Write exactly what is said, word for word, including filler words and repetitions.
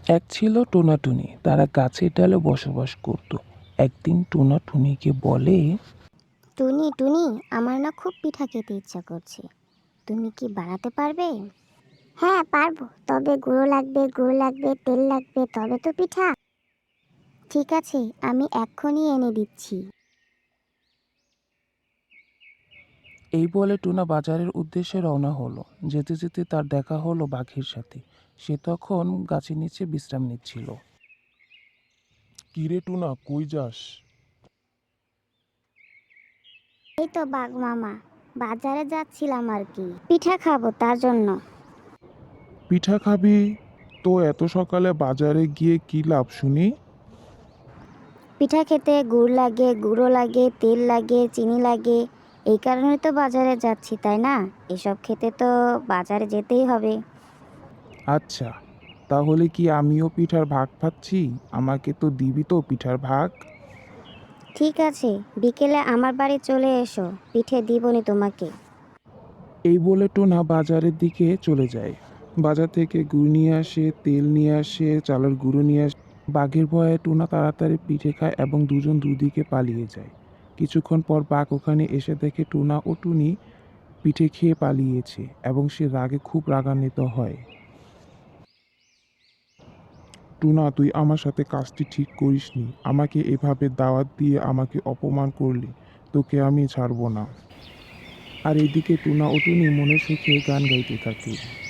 এক ছিল টোনা টুনি, তারা গাছের ডালে বসবাস করত। একদিন টোনা টুনিকে বলে, টুনি টুনি আমার না খুব পিঠা খেতে ইচ্ছা করছে, তুমি কি বানাতে পারবে? হ্যাঁ পারবো, তবে গুঁড়ো লাগবে, গুড় লাগবে, তেল লাগবে, তবে তো পিঠা। ঠিক আছে, আমি এক্ষুনি এনে দিচ্ছি। এই বলে টোনা বাজারের উদ্দেশ্যে রওনা হলো। যেতে যেতে তার দেখা হলো বাঘের সাথে। সে তখন গাছের নিচে বিশ্রাম নিচ্ছিল। কিরে টুনা, কই যাস? এই তো বাঘ মামা, বাজারে যাচ্ছিলাম আর কি, পিঠা খাবো তার জন্য। পিঠা খাবি? তো এত সকালে বাজারে গিয়ে কি লাভ শুনি? পিঠা খেতে গুড় লাগে, গুঁড়ো লাগে, তেল লাগে, চিনি লাগে, এই কারণে তো বাজারে যাচ্ছি, তাই না? এসব খেতে তো বাজারে যেতেই হবে। আচ্ছা, তাহলে কি আমিও পিঠার ভাগ পাচ্ছি? আমাকে তো দিবি তো পিঠার ভাগ? ঠিক আছে, বিকেলে আমার বাড়ি চলে এসো, পিঠে দিবনি তোমাকে। এই বলে টোনা বাজারের দিকে চলে যায়। বাজার থেকে গুড় নিয়ে আসে, তেল নিয়ে আসে, চালের গুঁড়ো নিয়ে আসে। বাঘের ভয়ে টোনা তাড়াতাড়ি পিঠে খায় এবং দুজন দুদিকে পালিয়ে যায়। কিছুক্ষণ পর বাঘ ওখানে এসে দেখে টোনা ও টুনি পিঠে খেয়ে পালিয়েছে এবং সে রাগে খুব রাগান্বিত হয়। টুনা, তুই আমার সাথে কাজটি ঠিক করিসনি। আমাকে এভাবে দাওয়াত দিয়ে আমাকে অপমান করলি, তোকে আমি ছাড়বো না। আর এদিকে টোনা ও টুনি মনের সুখে গান গাইতে থাকে।